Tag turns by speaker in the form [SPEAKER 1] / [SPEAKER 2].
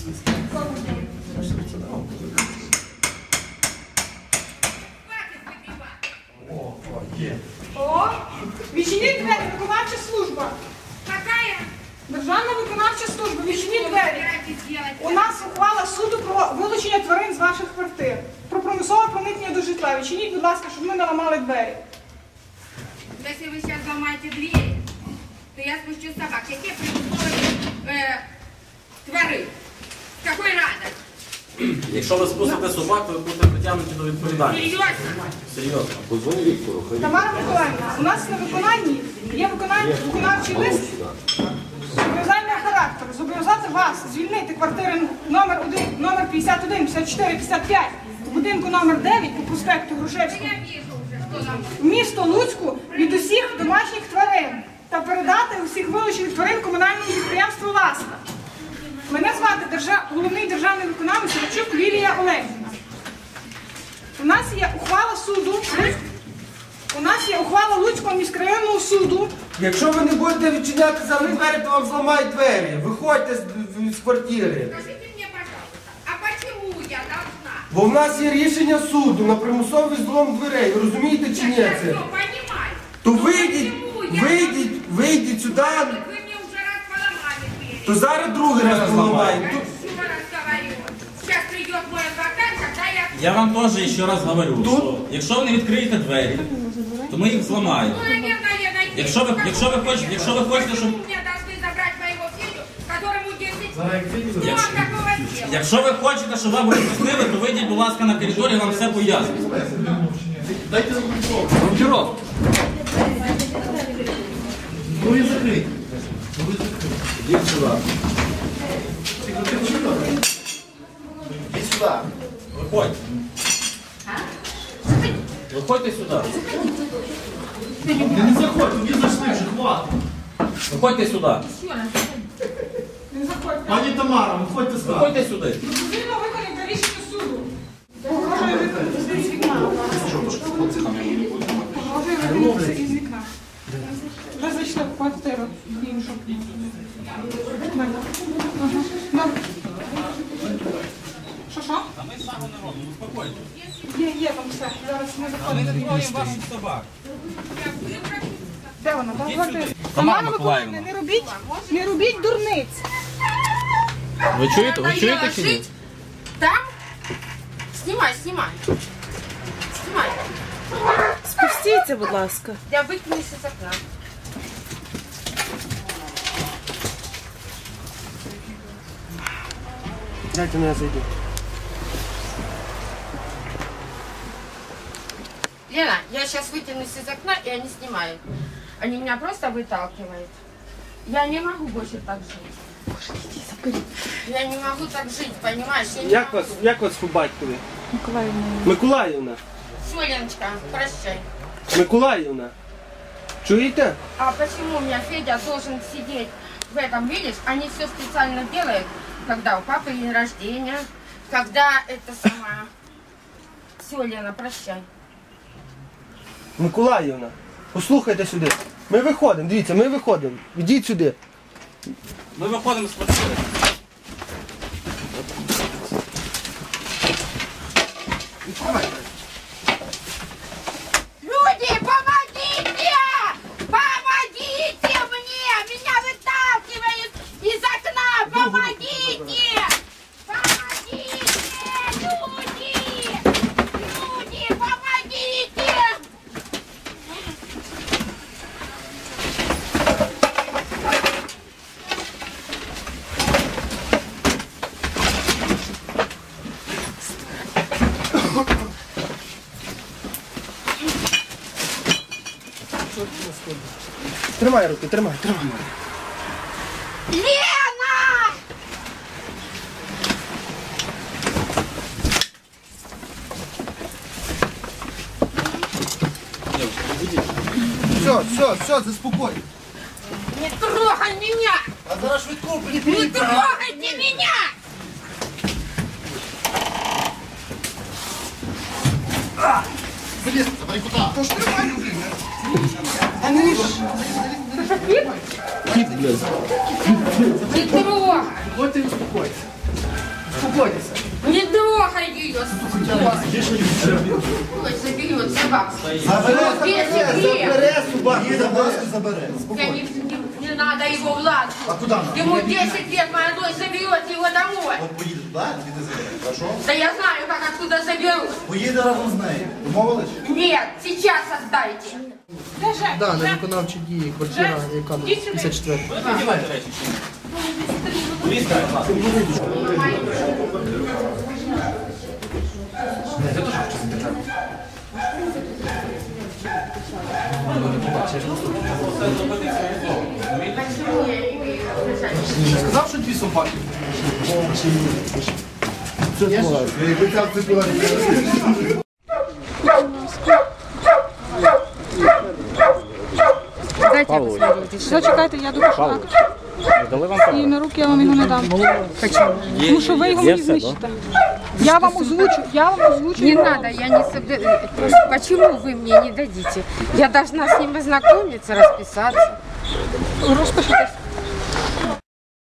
[SPEAKER 1] О, відчиніть двері, виконавча служба.
[SPEAKER 2] Какая?
[SPEAKER 1] Державна виконавча служба, відчиніть двері. У нас ухвала суду про вилучення тварин з ваших квартир. Про примусове проникнення до житла. Відчиніть, будь ласка, щоб ми не ламали двері.
[SPEAKER 2] Если вы сейчас ломаете дверь, то я спущу собак. Какие примусовые твари? С какой радости?
[SPEAKER 3] Якщо ви спустите собак, ви будете притягнуті до відповідальності.
[SPEAKER 2] Серьезно?
[SPEAKER 3] Серйозно.
[SPEAKER 4] Позвони Віктору, хай.
[SPEAKER 1] Тамара Миколаївна, у нас на виконанні є виконавчий лист зобов'язального характеру. Зобов'язати вас звільнити квартири номер 1, номер 51, 54, 55, в будинку номер 9 по проспекту Грушевського,
[SPEAKER 2] Я вижу уже, что нам...
[SPEAKER 1] в місто Луцьку від усіх домашніх тварин та передати усіх вилучених тварин комунальному підприємству «Ласка». Мене звати головний державний виконавець Рачук Лілія Олегівна. У нас є ухвала суду. У нас є ухвала Луцького міськрайонного суду.
[SPEAKER 5] Якщо ви не будете відчиняти за двері, то вам зламають двері. Виходьте з квартири.
[SPEAKER 2] Скажите мне, пожалуйста, а почему я должна?
[SPEAKER 5] Бо в нас є рішення суду на примусовий злом дверей. Ви розумієте чи ні
[SPEAKER 2] Я
[SPEAKER 5] це?
[SPEAKER 2] все понимаю.
[SPEAKER 5] То
[SPEAKER 2] Но
[SPEAKER 5] вийдіть,
[SPEAKER 2] почему я
[SPEAKER 5] вийдіть сюди,
[SPEAKER 2] Вот вы мне уже раз поломали двери.
[SPEAKER 5] то зараз другий раз поламаємо.
[SPEAKER 2] Я еще раз говорю. Сейчас придет мой адвокат, когда я...
[SPEAKER 3] Я вам теж ще раз говорю, що якщо ви не відкриєте двері, то ми їх зламаємо.
[SPEAKER 2] Ну, наверное, я найду.
[SPEAKER 3] Якщо ви хочете, щоб...
[SPEAKER 2] Почему меня должны забрать моего Федю, которому 10 лет? Что такого сделал?
[SPEAKER 3] Якщо ви хочете, щоб вам розпустили, то вийдіть, будь ласка, на коридор, я вам все поясню.
[SPEAKER 4] Дайте рукірок. Ну і закрий. Іди сюди. Іди сюди.
[SPEAKER 3] Виходьте. Виходьте сюди.
[SPEAKER 4] Не заходь, тоді зайшли вже, хватить.
[SPEAKER 3] Виходьте сюди.
[SPEAKER 1] Не заходьте.
[SPEAKER 4] Пані Тамара, виходьте сюди.
[SPEAKER 3] Виходьте сюди.
[SPEAKER 1] Дозвільно виконайте рішення суду. Погрожує виконати з вікна. Погрожує виконати із вікна. Вже зайшли в квартиру іншу. Ага. Добре. Що?
[SPEAKER 3] Та ми саме не робимо, успокойтесь.
[SPEAKER 1] Є там все. Зараз не
[SPEAKER 3] Ми не
[SPEAKER 1] виходить.
[SPEAKER 3] відкроємо ваших собак.
[SPEAKER 1] Де вона? Там квартира.
[SPEAKER 3] Тамара
[SPEAKER 1] Тамара
[SPEAKER 3] Миколаївна.
[SPEAKER 1] Миколаївна, не робіть дурниць.
[SPEAKER 3] Ви чуєте? Ви
[SPEAKER 2] Надоело
[SPEAKER 3] чуєте чи ні?
[SPEAKER 2] жить там? Снимай, снимай. Снимай.
[SPEAKER 6] Спустіться, будь ласка.
[SPEAKER 2] Я выкинусь из окна.
[SPEAKER 5] Дайте мене зайду.
[SPEAKER 2] Лена, я сейчас вытянусь из окна, и они снимают. Они меня просто выталкивают. Я не могу больше так жить. Я не могу так жить, понимаешь? Я не могу.
[SPEAKER 5] Як вас по батькові?
[SPEAKER 6] Миколаївна.
[SPEAKER 5] Миколаївна.
[SPEAKER 2] Всё, Леночка, прощай.
[SPEAKER 5] Миколаївна. Чуєте?
[SPEAKER 2] А почему у меня Федя должен сидеть в этом, видишь? Они все специально делают, когда у папы день рождения, когда это самое... Все, Лена, прощай.
[SPEAKER 5] Миколаївна, послухайте сюди. Ми виходимо, дивіться, ми виходимо. Ідіть сюди.
[SPEAKER 3] Ми виходимо з квартири.
[SPEAKER 2] Люди, помогите! Помогите мне! Меня выталкивают из окна! Помогите! Помогите! Люди! Люди, помогите!
[SPEAKER 5] Тримай руки, тримай.
[SPEAKER 2] Лена!
[SPEAKER 5] Все, заспокой.
[SPEAKER 2] Не трогай меня!
[SPEAKER 5] А зараз швидко
[SPEAKER 2] Не трогайте меня!
[SPEAKER 4] Залізь, давай куди?
[SPEAKER 5] Тож тримай руки.
[SPEAKER 2] Не трогай!
[SPEAKER 4] Виходьте і успокойтесь. Успокойтеся.
[SPEAKER 2] Не трогай ее. Ой, заберет собаку.
[SPEAKER 5] Забере собаку.
[SPEAKER 4] Забере.
[SPEAKER 2] Я не надо его в лад.
[SPEAKER 4] А куда надо?
[SPEAKER 2] Ему 10 лет, моя дочь заберет его домой.
[SPEAKER 4] От поїде туди, звідти забере. Хорошо?
[SPEAKER 2] Да я знаю, как оттуда заберут.
[SPEAKER 4] Поїде разом з нею. Домовились?
[SPEAKER 2] Нет, сейчас отдайте.
[SPEAKER 1] Де Жень?
[SPEAKER 7] Да, на
[SPEAKER 1] Жень?
[SPEAKER 7] виконавчі дії, квартира, яка
[SPEAKER 1] Іди сюди.
[SPEAKER 7] 54.
[SPEAKER 3] Надівайте речі. Повістка, будь ласка.
[SPEAKER 4] Сказав, що 2 собаки.
[SPEAKER 2] Дайте я посмотрю.
[SPEAKER 6] Зачекайте, я докажу. І на руки я вам його не дам. Тому що ви його мені знищите. Я вам озвучу.
[SPEAKER 2] Не надо, я не собираюсь. Почему вы мне не дадите? Я должна с ним ознакомиться, расписаться.
[SPEAKER 6] Розпишитесь.